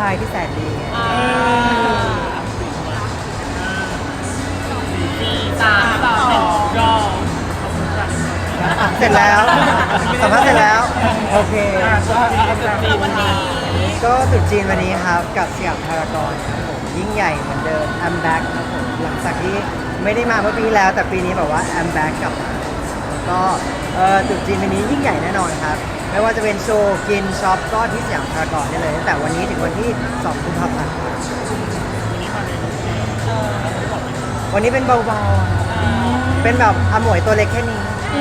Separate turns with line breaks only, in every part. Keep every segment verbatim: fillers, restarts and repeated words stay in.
ายที่แสนดีไง
สี่สามสองรอ
อ่ะเสร็จแล้วสัมภาษณ์เสร็จแล้วโอเค
วันนี้
ก็ตรุษจีนวันนี้ครับกับสยามพารากอนครับผมยิ่งใหญ่เหมือนเดิม I'm back ครับผมหลังจากที่ไม่ได้มาเมื่อปีแล้วแต่ปีนี้แบบว่า I'm back กลับมาแล้วก็เอ่อตรุษจีนวันนี้ยิ่งใหญ่แน่นอนครับไม่ว่าจะเป็นโชว์กินช็อปก็ที่สยามพารากอนได้เลยตั้งแต่วันนี้ถึงวันที่สองกุมภาพันธ์ครับวันนี้เป็นเบาๆอะเป็นแบบอมวยตัวเล็กแค่นี้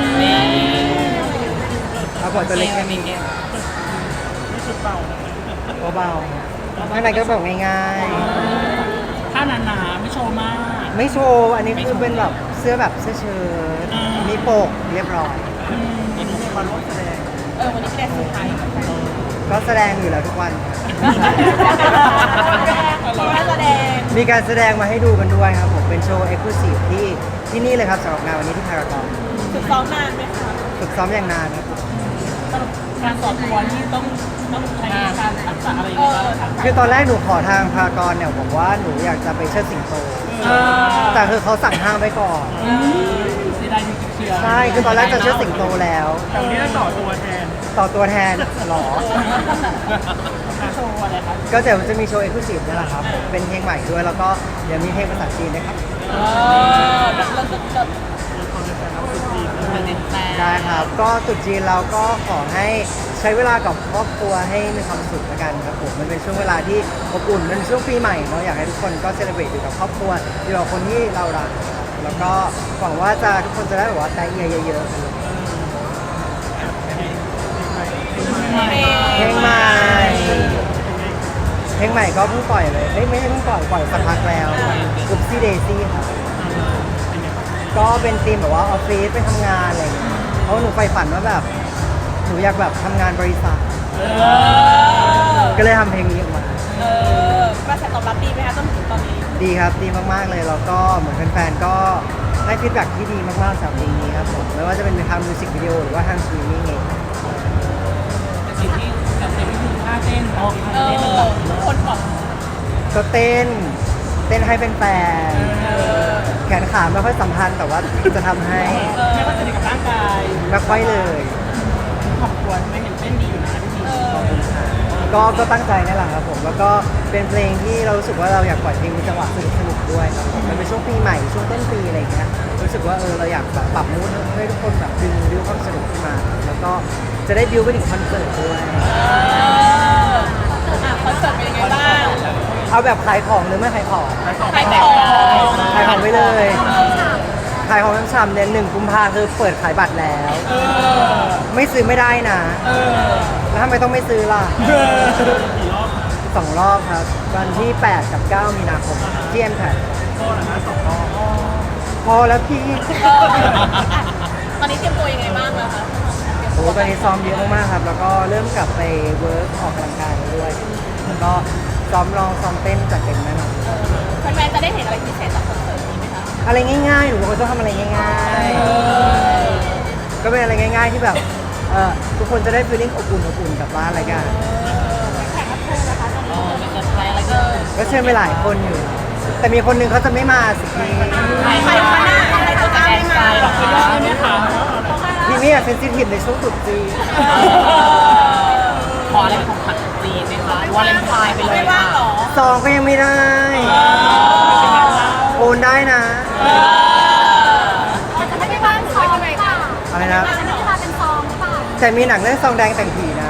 อมวยตัวเล็กแค่นี้เบาๆข้างในก็แบบง่าย
ถ้าหนาๆไม่โชว์มาก
ๆ ไม่โชว์ อันนี้คือเป็นแบบเสื้อแบบเสื้อเชิ้ตมีโปกเรียบร้อย
วันนี้มาร่วมแสดงเออวันนี้แสดงสุดท้าย
ก็แสดงอยู่แล้วทุกวันครับ
แสดง
มีการแสดงมาให้ดูกันด้วยครับผม เป็นโชว์เอ็กซ์คลูซีฟที่ที่นี่เลยครับสำหรับงานวันนี้ที่พารากอน
ฝึกซ้อมนานไหมคะ
ฝึกซ้อมอย่างนานครับ
การสอนตัวนี่ต้องต้องใช้การทักษะอะไรอย่างเงี้ย
คือตอนแรกหนูขอทางพารากอนเนี่ยบอกว่าหนูอยากจะไปเชิดสิงโต แต่คือเขาสั่งห้ามไว้ก่อน
เสียดายจริงๆเชียร์
ใช่ คือตอนแรกจะเชิดสิงโตแล้ว
แต่วันนี้จะต่อตัวแทน
ต่อตัวแทนหรอ
โชว์อะไรครับ
ก็เดี๋ยวจะมีโชว์เอ็กซ์คลูซีฟนี่แหละครับ เป็นเพลงใหม่ด้วย แล้วก็เดี๋ยวมีเพลงภาษาจีนนะครับ
เออแล้วก็จะ
ได้ครับ ก็ตรุษจีนเราก็ขอให้ใช้เวลากับครอบครัวให้มีความสุขละกันครับผม มันเป็นช่วงเวลาที่อบอุ่นเป็นช่วงปีใหม่เนาะ อยากให้ทุกคนก็เซเลบรตอยู่กับครอบครัวอยู่กับคนที่เรารักครับแล้วก็หวังว่าจะทุกคนจะได้แบบว่าใจเอียเยอะๆกันเลยเพลงใหม่ เพลงใหม่ก็เพิ่งปล่อยเลยเอ้ยไม่ใช่เพิ่งปล่อยปล่อยสักพักแล้วกุ๊ปซี่เดซี่ครับก็เป็นธีมแบบว่าออฟฟิศไปทำงานอะไรอย่างเงี้ยเพราะหนูใฝ่ฝันว่าแบบหนูอยากแบบทำงานบริษัทก็เลยทำเพลงนี้ออกมา
เออกระแสตอบรับดีไหมคะจนถึงตอนนี้
ดีครับดีมากๆเลยแล้วก็เหมือนแฟนๆก็ให้ฟีดแบ็กที่ดีมากๆสำหรับเพลงนี้ครับผมไม่ว่าจะเป็นทางมิวสิกวิดีโอหรือว่าทางสตรีมมิ่งเอง
แต่สิ่งที่แต่สิ่งที่คือท่าเต้นออกท่าเต้นมันแบบคนบอก
ก็เต้นเต้นให้เป็นแฟนๆแขนขาไม่ค่อยสัมพันธ์แต่ว่าจะทำให้
ไม่ว่าจะในกับร่างกาย
ไม่ค่อยเลย
ขอบคุณไม่เห็นเต้นดีอยู่นะพี่
ขอบคุณค่ะก็ก็ตั้งใจนั่นแหละครับผมแล้วก็เป็นเพลงที่เรารู้สึกว่าเราอยากปล่อยเพลงมีจังหวะสนุกสนุกๆด้วยครับผมมันเป็นช่วงปีใหม่ช่วงต้นปีอะไรอย่างเงี้ยรู้สึกว่าเออเราอยากแบบปรับมูดให้ทุกคนแบบดึงดึงความสนุกขึ้นมา แล้วก็จะได้ดิวไปถึงคอนเสิร์ตด้วย
อ่ะคอนเสิร์ตเป็นยังไงบ้าง
เอาแบบขายของหรือไม่ขายของ
ใครแต่ง
ขายของไปเลยขายของช้ำๆเนี่ยหนึ่งกุมภาคือเปิดขายบัตรแล้ว ไม่ซื้อไม่ได้นะแล้วทำไมต้องไม่ซื้อล่ะสองรอบครับวันที่แปดกับเก้ามีนาคมที่เอ็มแพดพอแล้วพี่
ตอนนี้เตรียมตัวยังไงบ้างแล้วคะ
โอ้ตอนนี้ซ้อมเยอะมากๆครับ แล้วก็เริ่มกลับไปเวิร์กออกกำลังกายด้วย แล้วก็ซ้อมร้องซ้อมเต้นจัดเต็มแน่นอน
แฟนๆจะได้เห็นอะไรพิเศษจากคอนเสิร์ตนี้ไหมคะ
อะไรง่ายๆหนูเป็นคนชอบทำอะไรง่ายๆ ก็เป็นอะไรง่ายๆที่แบบเออทุกคนจะได้ฟีลลิ่งอบอุ่นอบอุ่นกลับบ้านอะไรกัน
แขกรับเชิญนะคะตอนนี้มีเซอร์ไพรส์อะไรก็
ก็เชิญไปหลายคนอยู่ แต่มีคนหนึงเขาจะไม่มาสิพี่
ใครใครคะหน้าใครจะกล้าไม่มาหรอกคุณยอดไหมคะ
พี่มี่อะเซนซิทีฟในช่วงตรุษจีน
ขออะไรเป็นของขวัญจีนไหมคะวาเลนไทน์ไปเลยไม่ว่างหรอ
ซองก็ยังไม่ได้โอนได้นะ
จะไม่ได้บ้านซองหรือเปล่า
อะไรนะ
จะไม่ได้บ้านเป็นซองหรือเปล่า
แต่มีหนังเรื่องซองแดงแต่งผีนะ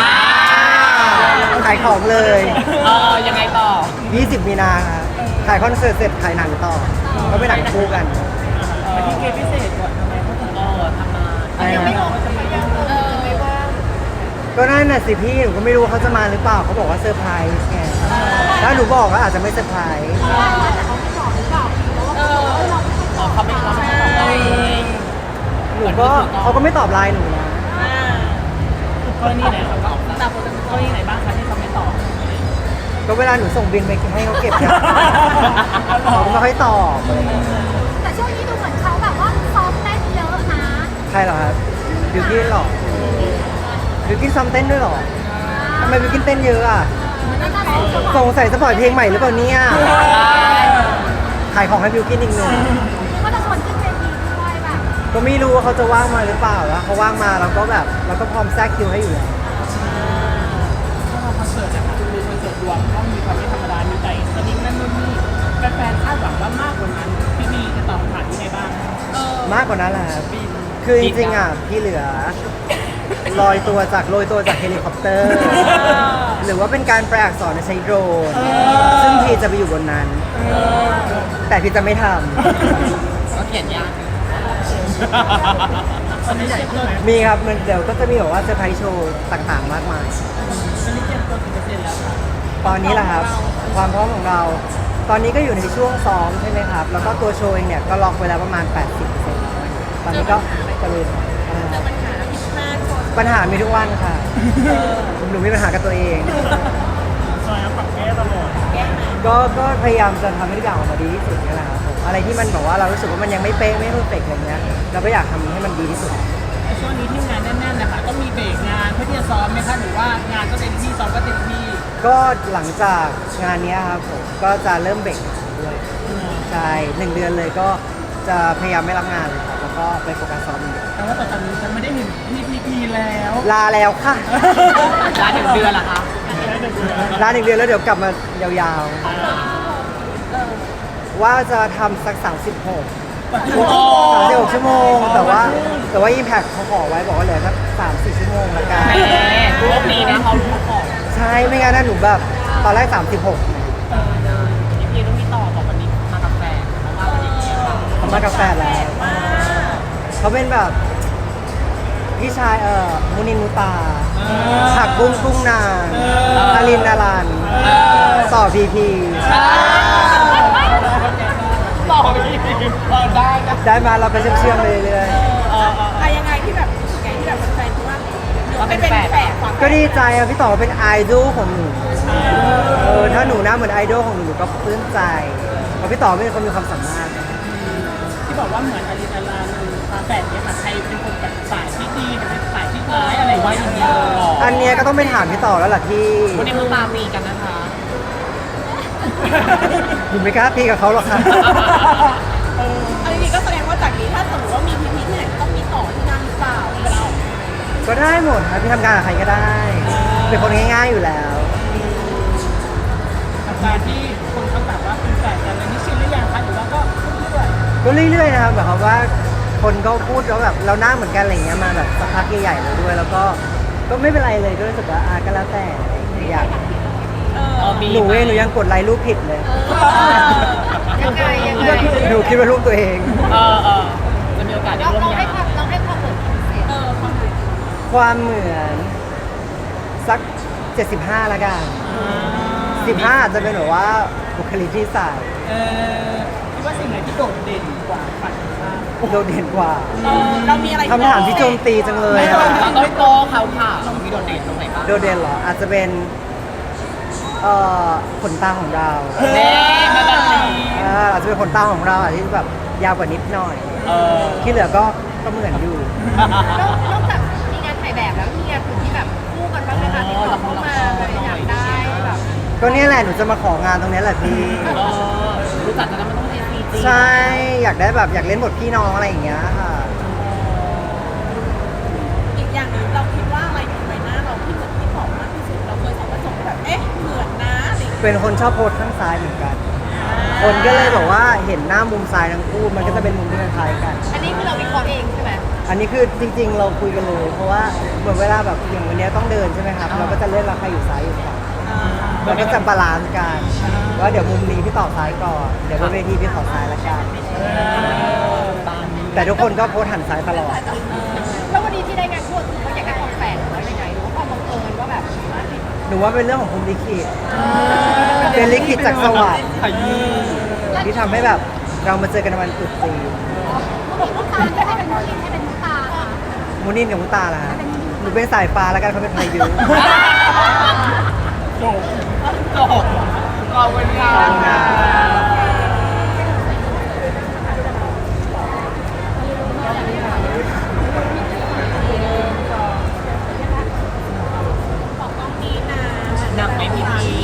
ขายของเลย
เออยังไงต่อ
ยี่สิบมีนาครับขายคอนเสิร์ตเสร็จขายหนังต่อ ก็เป็นหนังคู่กัน
มาที่เกมพิเศษก่อนทำไมเขาถึงเออทำมา
อะไรนะ
ไม่ออกว่าจะไม่ยังเออไม่ว่าง
ก็นั่นน่ะสิพี่หนูก็ไม่รู้ว่าเขาจะมาหรือเปล่าเขาบอกว่าเซอร์ไพรส์ไงถ้าหนูบอกก็อาจจะไม่เซอร์ไพรส์
แต่เขาไม่บอกหรือเปล่าแล้วว่า
เอออ๋อเขาไม่รับไม่ตอบเอง
หนูก็เขาก็ไม่ตอบไลน์หนูนะ
กรณีไหนครับตามกรณีไหนบ้างคะที่เขาไม่ตอบ
ก็เวลาหนูส่งบินไปให้เขาเก็บเนี่ยเขาก็ไม่ค่อยตอบอะไรอย่างเงี้ย
แต่ช่วงนี้ดูเหมือนเขาแบบว่าซ้อมเต้นเยอะนะ
ใครเหรอครับบิวกินเหรอบิวกินซ้อมเต้นด้วยเหรอทำไมบิวกินเต้นเยอะอ่ะ
เน่าจะเป็นเจ้าของ
สงสัยจะปล่อยเพลงใหม่หรือเปล่าเนี่ยขายของให้บิวกินอีกหนึ่ง
ก็จะชวนขึ้นเวทีด้วยแบบ
ก็ไม่รู้ว่าเขาจะว่างมาหรือเปล่าแล้วเขาว่างมาเราก็แบบเราก็พร้อมแทรกคิวให้อยู่แล้ว
ถ้าเราคอนเสิร์ตนะคะคือคอนเสิร์ตรวมต้องมีความไม่ธรรมดา มีใจสนิทนั่นนู่นนี่แฟนๆคาดหวังว่ามากกว่านั้นพี่บีจะตอบคำถามยังไงบ้างเออ
มากกว่านั้นแหละครับคือจริงๆอ่ะพี่เหลือลอยตัวจากโรยตัวจากเฮลิคอปเตอร์ หรือว่าเป็นการแปลอักษรใช้โดรนซึ่งพี่จะไปอยู่บนนั้น แต่พี่จะไม่ท
ก็เขียนยากตอนนี้ใหญ่ขึ้นไหม
ำมีครับมันเดี๋ยวก็จะมีแบบว่าเซอร์ไพรส์โชว์ต่างๆ มากมาย
ตอนนี้เตรียมตัวกี่เปอร์เซ็นต์แล้วคะ
ตอนนี้แหละครับ ความพร้อมของเรา ตอนนี้ก็อยู่ในช่วงซ้อมใช่ไหมครับ แล้วก็ตัวโชว์เองเนี่ยก็ล็อกไว้แล้วประมาณ แปดสิบเปอร์เซ็นต์ ตอนนี้ก็จะเลย
เจอปัญหาผิดพลาดโชว์
ปัญหามีทุกวันค่ะ หนูมีปัญหากับตัวเอง
ซอยปรับแก้ตลอด
แก้มา
ก็ก็พยายามจะทำให้ทุกอย่างออกมาดีที่สุดนี่แหละครับผมอะไรที่มันแบบว่าเรารู้สึกว่ามันยังไม่เป๊ะไม่เพอร์เฟกต์อะไรเงี้ยเราก็อยากทำให้มันดีที่สุด
ช่วงนี้ที่งานแน่นๆนะคะต้องมีเบรกงานเพื่อที่จะซ้อมไหมคะหรือว่างานก็เต็มที่ซ้อมก็เต็มที่
ก็หลังจากงานเนี้ยครับผมก็จะเริ่มเบรกด้วยใช่หนึ่งเดือนเลยก็จะพยายามไม่รับงานเลยครับแล้วก็ไปโฟกัสซ้อมอย่างเดียว
แต่ว่าตอนนี้ฉันไม่ได้เห็นพีพีพีแล้ว
ลาแล้วค่ะ
ร้านหนึ่งเดือนละคะ
ลาหนึ่งเดือนแล้วเดี๋ยวกลับมายาวๆ ว่าจะทำสัก สามสิบหก สามสิบหกชั่วโมง แต่ว่าแต่ว่า Impact เขาขอไว้บอกว่าเหลือสักสามสี่ชั่วโมงละกัน
รอบนี้นะเขารู้ของ
ใช่ไม่งั้นนะหนูแบบตอนแรก สามสิบหก
พีพีต้องมีต่อบอกวันนี้มากับแฟนเพราะว่าวันนี้เนี่ยค่ะ
เขามากาแฟนแล้วเขาเป็นแบบพี่ชายเอ่อมุนินมุตาผักบุ้งกุ้งนางอารินนารันต่อพีพี
ต่อพีพีเออได้นะ
ได้มาเราไปเชื่อมๆไปเรื่อย
เออ
อะยังไงที่แบบไงที่แบบแฟนๆคิดว่าหนูเป็นแฝดความ
ๆก็ดีใจอะพี่ต่อเป็นไอดอลของหนูเออถ้าหนูหน้าเหมือนไอดอลของหนูหนูก็ปลื้มใจเพราะพี่ต่อเป็นคนมีความสามารถ
ที่บอกว่าเหมือนอลินอลาฟาแฝดเนี่ยค่ะใครเป็นคนแบบสายที่ดีหรือเป็นสายที่ร้ายอะไรว่าอย่างนี้เลย
อันเนี้ยก็ต้องไปถามพี่ต่อแล้วล่ะที่
วันนี้มึงตามมีกันนะคะ
หนูไม่กล้าตีกับเขาหรอกค่ะ
อันนี้ก็แสดงว่าจากนี้ถ้าสมมติว่ามีพีพีที่ไหนต้องมีต่อที่นั่นหรือเปล่าเวลาออก
ก็ได้หมดครับพี่ทำงานกับใครก็ได้ เป็นคนง่ายๆอยู่แล้ว
กับการที่คนเขาแบบว่าเป็นแฝดกันอะไรนี่ชินหรือยังคะหรือว่าก็เรื่อย
ก็เรื่อยๆนะครับแบบว่าคนก็พูดแล้วแบบเราหน้าเหมือนกันอะไรอย่างเงี้ยมาแบบสักพักใหญ่ๆเลยด้วย แล้วก็ก็ไม่เป็นไรเลยก็รู้สึกว่าอ่ะก็แล้วแต่อยาก
ๆเออมี
หนูเองหนูยังกดไลค์รูปผิดเลย
ยังไงยังไง
หนูคิดว่ารูปตัวเอง
เออเออจะมีโอกาสได้
เรา
ร่วม
เรา
งา
ให้
น
ความเราให้ความเหมือนเออความเหมือน
ความเหมือนสักเจ็ดสิบห้าละกันสิบห้าอาจจะเป็นแบบว่าบุคลิกที่ใส่
เออคิดว่าสิ่งไหนที่โดดเด่นกว่าฝันข้าม
โดดเด่นกว่า
เออเรามีอะไร
คำถามที่โจมตีจังเลย
เรา
อะ
ต้องโตเขาค่ะเรามีโดดเด่นตรงไหนบ้าง
โดดเด่นเหรออาจจะเป็นเอ่อขนตาของเรา
เน่มาดันลี
เอ่ออาจจะเป็นขนตาของเราอะที่แบบยาวกว่านิดหน่อย
เออ
ที่เหลือก็ก็เหมือนอยู่
นอกจากมีงานถ่ายแบบแล้วมีงานอื่นที่แบบคู่กันบ้างไหมคะที่เขาเข้ามาอยากได้แบบ
ก็เนี่ยแหละหนูจะมาของานตรงนี้แหละพี่
เออรู้จักกันแล้วมันต้องเรียนปีจี
ใช่อยากได้แบบอยากเล่นบทพี่น้องอะไรอย่างเงี้ยค่ะ
อีกอย่างหนึ่งเราคิดว่าอะไรอยู่ใบหน้าเราที่เหมือนที่ของมากที่สุดเราเคยส่องกระจกแบบเอ๊ะเหมือนนะอะไรอย่างเงี้ย
เป็นคนชอบโพสข้างซ้ายเหมือนกัน คนก็เลยบอกว่าเห็นหน้ามุมซ้ายทั้งคู่มันก็จะเป็นมุมที่คล้ายๆกัน
อันนี้คือเราวิเคราะห์เองใช่ไหม
อันนี้คือจริง ๆ เราคุยกันเลย เพราะว่าเหมือนเวลาแบบอย่างวันเนี้ยต้องเดินใช่ไหมครับ เราก็จะเลือกว่าใครอยู่ซ้ายอยู่ขวาเราก็จะบาลานซ์กันว่าเดี๋ยวมุมนี้พี่ต่อซ้ายก่อน เดี๋ยวบนเวทีพี่ต่อซ้ายละกัน
ตามนี้
แต่ทุกคนก็โพสหันซ้ายตลอด
แล้ววันนี้ที่ได้งานคู่คือเขาอยากได้ความแฝงหรือว่ายังไงหรือว่าความบังเอิญว่าแบบ
หนูว่าเป็นเรื่องของภูมิลิขิตเป็นลิขิตจากสวรรค์
ขยี้
ที่ทำให้แบบเรามาเจอกันในวันตรุษจีน
มุกตาจะให้เป็นมุกให้เป็นมุกตาค่ะ
มูนินกับมุตาล่ะฮะหนูเป็นสายฟ้าแล้วกันเขาเป็นพายุ
จบจบขอบคุณค่ะ
บอกต้องนี้นะ
หนักไหมพี่พี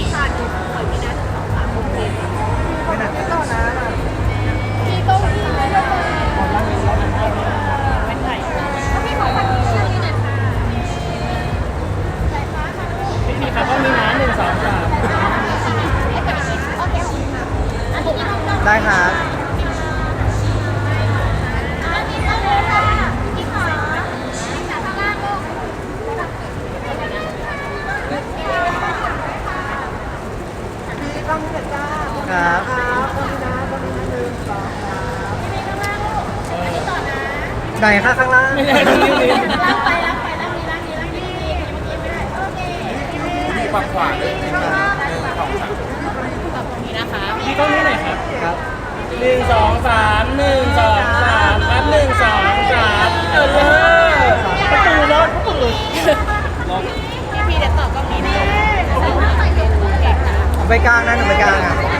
ไหนคะข้างล่าง
ไม่ใช่ตรงนี้นี่
รับไปรับไปรับนี้รับนี้รับนี้เมื่อกี้ไม่ได้โอเค
มีฝั่งขวาเลยทีมงานหนึ่งสองสาม
ตรงนี้นะคะ
พี่กล้องนี้หน่อยครับ
ครับ
หนึ่งสองสามหนึ่งสองสามครับหนึ่งสองสามเออประตูรถประตู
พี่พี่เดี๋ยวตอบกล้องนี้นะใส่หน้าใส่เป็นเก่งนะ
ไปกลางนะหนูไปกลางอ่ะ